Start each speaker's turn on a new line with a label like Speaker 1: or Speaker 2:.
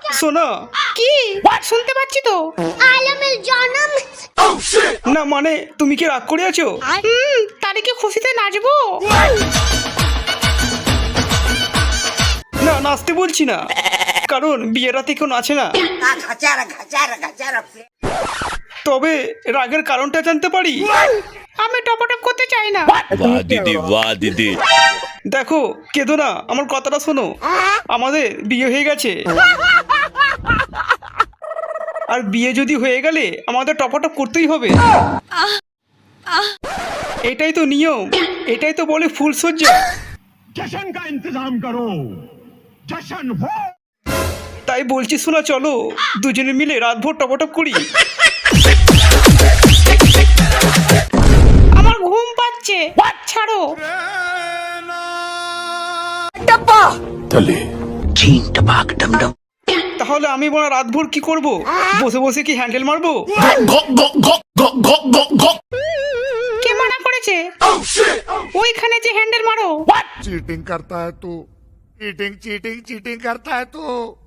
Speaker 1: শোনো।
Speaker 2: কি শুনতে পাচ্ছি তো?
Speaker 3: আলমের জন্ম।
Speaker 1: না মানে তুমি কি রাগ করে আছো?
Speaker 2: তাহলে কি খুশিতে নাচবো?
Speaker 1: না নাচতে বলছি না, কারণ বিয়ের রাতে কেউ নাচে না। তবে রাগের কারণটা জানতে পারি?
Speaker 2: আমি টপটপ করতে চাই না।
Speaker 4: वाह दीदी वाह दीदी।
Speaker 1: দেখো কেঁদো না, আমার কথাটা শোনো। আমাদের বিয়ে হয়ে গেছে, আর বিয়ে যদি হয়ে গেলে আমাদের টপাটপ করতেই হবে। এটাই তো নিয়ম, এটাই তো বলে ফুলসজ্জা।
Speaker 5: जश्न का इंतजाम करो, जश्न हो।
Speaker 1: তাই বলছি শোনা, চলো দুজনে মিলে রাতভর টপাটপ করি।
Speaker 2: আমার ঘুম পাচ্ছে, ছাড়ো।
Speaker 1: তাহলে আমি বলা রাতভর কি করব? বসে বসে কি হ্যান্ডেল মারবো?
Speaker 2: কে মানা করেছে? ওইখানে যে হ্যান্ডেল মারো।
Speaker 6: चीटिंग करता है तू, चीटिंग चीटिंग चीटिंग करता है तू।